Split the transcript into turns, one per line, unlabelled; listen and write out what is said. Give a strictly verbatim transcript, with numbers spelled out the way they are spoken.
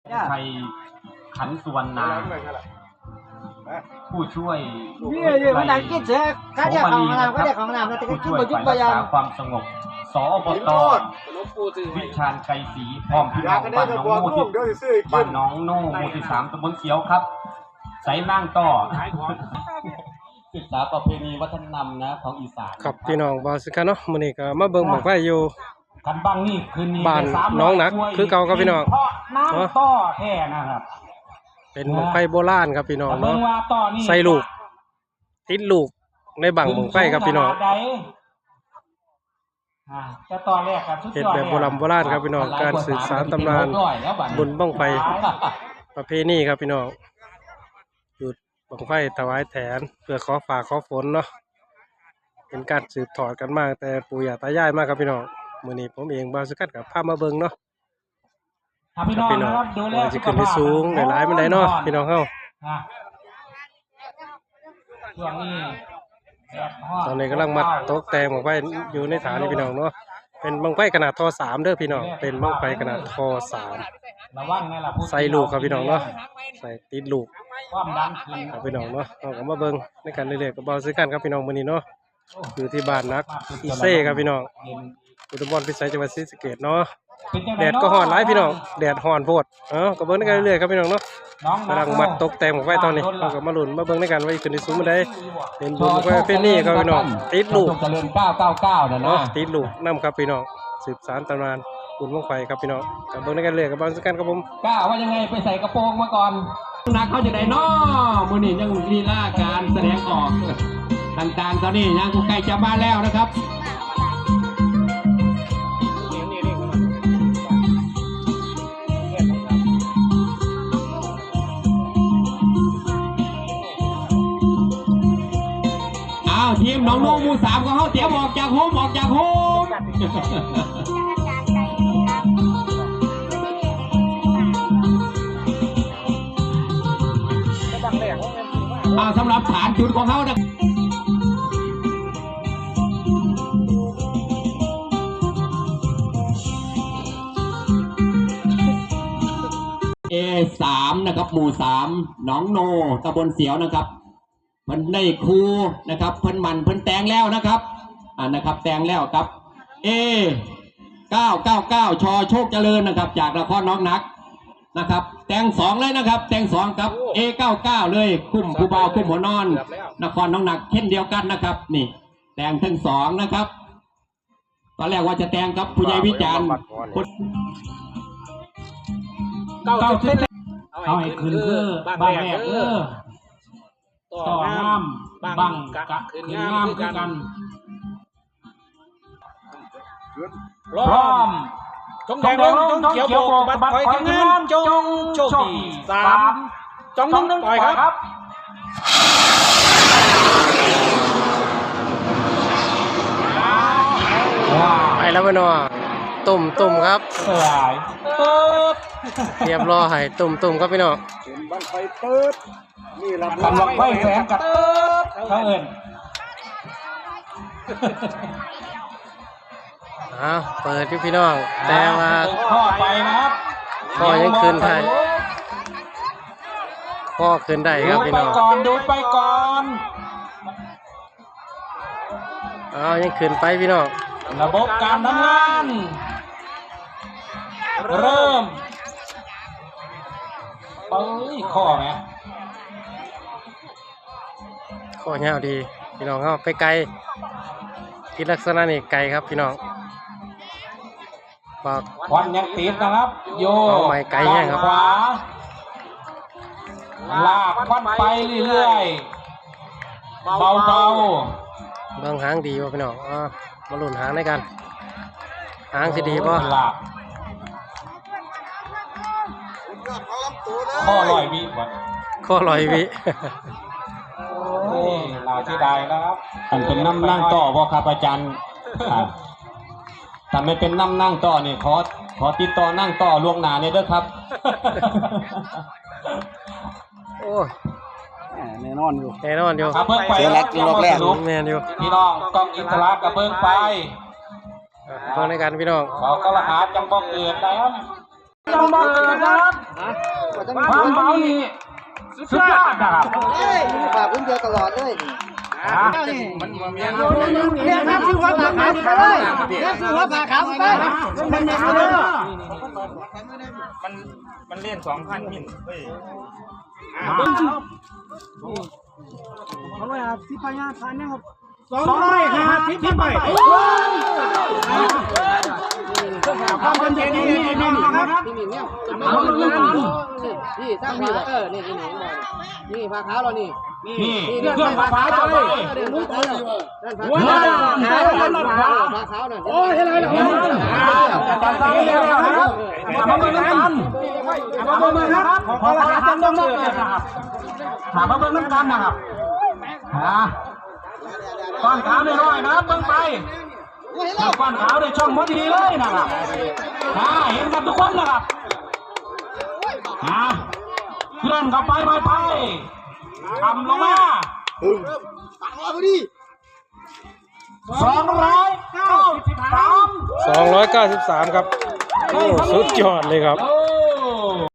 ไทยขันสุวรรณาผู้ช่วย
นี่อยู่มันดังกินเสือข้าเรียกของน้ำก็เรียกของน้ำแล้วแต่ก็
ผู้
กิน
ช่วย
บ่ยุบ
ฝ่าย
บ่
รั
ยั
ก
ง
ษาความสงบสอบตวิชาญไกรศรีพร้อมพี่น้องบ้านน้องโม่ที่บ้านน้องโน่หมู่ที่สามตำบลเสียวครับใส่นั่งต่อศึกษาประเพณีวัฒนธรรมนะของอีสาน
ครับพี่น้องบ่สิกันเนาะมื้อนี้ก็มาเบิ่งบั้งไฟอยู่
กันบ้างนี่คืนนี้
บ้านน้องหนักคือเก่าครับพี่น้อง
น้ำต่อแท้นะครับ
เป็นบั้งไฟโบราณครับพี่น้องเนาะ
ต่อนี่
ใส่ลูกติดลูกในบั้งบั้งไฟครับพี่น้อง
จะต่อแรกครับ
เฮ็ดแบบโบราณโบราณครับพี่น้องการสืบสานตำนานบุญบั้งไฟประเพณีครับพี่น้องจุดบั้งไฟถวายแทนเพื่อขอฟ้าขอฝนเนาะเป็นการสืบทอดกันมาแต่ปู่ย่าตายายมากครับพี่น้องมื้อนี้ผมเองบ่าวสุกัดกับพามาเบิ่งเนาะครับพี่น้องว่าสิขึ้นที่สูงหลายๆมันได้เนาะพี่น้องเฮา
ช่วงนี้
ตอนนี้กำลังมัดตกแต่งบั้งไฟอยู่ในฐานนี่พี่น้องเนาะเป็นบั้งไฟขนาดทอสามเด้อพี่น้องเป็นบั้งไฟขนาดทอสามใส่ลูกครับพี่น้องเนาะใส่ติดลูก
ความดันขึ้น
ครับพี่น้องเนาะเราก็มาเบิ่งในการเรื่อยๆกับเบาซื้อกันครับพี่น้องมื้อนี้เนาะอยู่ที่บ้านนักอีเซ่ครับพี่น้องอุดมพรพิสัยจังหวัดศรีสะเกษเนาะแดดก็ร้อนหลายพี่น้องแดดร้อนโพดเอ้าก็เบิ่งในกันเรื่อยๆครับพี่น้องเนาะกำลังมัดตกแต่งบั้งไฟตอนนี้เราก็มาลุ้นมาเบิ่งในกันว่าขึ้นที่สูงมื้อใดเป็นบุญบั้งไฟประเพณีครับพี่น้องติดลูก
เจริญเก้าเก้าเก้านะเนาะ
ติดลูกนำครับพี่น้องสืบสานตำนานบุญบั้งไฟครับพี่น้องก็เบิ่งในกันเรื่อยกับเบาซื้อกันครับผม
ก้าว่ายังไงไปใส่กระโปรงมาก่อนนักเขาจะได้น้อมือนี่ยังลีลาการแสดงออกต่างๆตอนนี้ยังใกล้จะมาแล้วนะครับอ้าวทีมน้องโน้มูสามก็เขาเตรียมออกจากโฮมออกจากโฮมอ่าสำหรับฐานจุดของเขานะเอสามนะครับหมู่สามหนองโนตำบลเสียวนะครับเพิ่นได้ครูนะครับเพิ่นมันเพิ่นแตงแล้วนะครับอ่านะครับแตงแล้วครับเอเก้าเก้าเก้าชอโชคเจริญนะครับจากนครน้องนักนะครับแตงสองเลยนะครับแตงสองครับเอเก้าเก้าเลยคุ้มคูเบาคุ้มหัวนอนนครน้องหนักเช่นเดียวกันนะครับนี่แตงทั้งสองนะครับตอนแรกว่าจะแตงครับผู้ใหญ่วิจารณ์เก้าสิบเอาให้คืนเพื่อบ้านแรกเออต่อน้ำบังกะคืนงามคือกันพร้อม
จงแดงลงจงเขียวโบกบัดคอยกันงานจงโชคดีสามจงนึ่งปล่อยครับ
ไปแล้วพี่น้องตุ่มตุ่มครับ
สลาย
เรียบร้อยตุ่มตุ่มครับพี่น้อง
เป็นบังไฟเติร์ดนี่ลำ
กำลังไฟแสงกับเติร์ดเขาเอิญ
อ้าวเปิดที่พี่น้องแต่ว่า
ข้อไปนะครับ
ข้อยังคืนไทยข้อคืนได้ครับพี่น้อง
ดูไปก่อนดูไปก่อน
อ้าวยังคืนไปพี่น้อง
ระบบการทำงานเริ่มเอ้ยข้อไหม
ข้อเงาดีพี่น้องเขาไปไกลที่ลักษณะนี้ไกลครับพี่น้องบอก
ควันยังติดนะครับโย
ไกลแห้งครับ
ขวาลากควันไปเรื่อยๆเบาๆ
เบื้องหางดีวะพี่น้องอ่ามาหลุนหางได้กันหางสิดีป่ะ
ข้อลอยวิวะ
ข้อลอยวิ
โอ้ยลาที่ใดแล้วครับมันเป็นน้ำนั่งต่อบ่ครับอาจารย์แต่ไม่เป็นน้ำนั่งต่อเนี่ยขอขอติดต่อนั่งต่อล่วงหน้าเนี่ยด้วยครับ
โอ้
แน่นอนอยู่
แน่นอนอยู่
เพิ่งไป
แล้วรอบแรก
แน่นอยู่
พี่น้องกองอินทรากับเพิ่งไป
เพิ่งในการพี่น้อง
เขาก็รหัสจังบอกเกิดแล้วจังบอกเกิดครับ
ความเบานี่สุดยอดนะครับ
เฮ้ยมีฝากพื้นเดียวตลอดเลย
อ่า
เนี่ยครับซื้อหัวผ่าขาวไปเลยเนี่ยซื้อหัวผ่าขาวไปมันเนี่ยเลย
มันมันเล่นสองพันมิลเฮ้ย
เอาไว้อ่ะที่พญาทานเนี่ยครับ
สองร้อยห้าสิบที่ไปความเป็นเย็นนี่นี่นะครับ
นี่นี่เนี่ย
เอาเรื่องนี้
นี่ตั้งขาเออนี่นี่นี่นี่ผ่าขาวเรานี่
นี่เครื่องฟ้าจะไป
มุ้งเลยด้าน
หัวหน้าขาวด้านขาว
ผ่าขาวนั่น
โอ้ยอะไรล่ะจัดการแล้วนะครับมาเบิ่งกันมาเบิ่งนะครับขอรหัสจังต้องเลยนะครับถามมาเบิ่งกันนะครับอ่าก้อนขาวน้อยๆนะครับเบิ่งไปก้อนขาวในช่องพอดีเลยนะครับอ่าเห็นกันทุกคนนะครับอ่าเคลื่อนเข้าไปไปไปทำลงมาสองร้อยเก้าสิบสาม
สองร้อยเก้าสิบสามครับโอ้สุดยอดเลยครับ
โอ้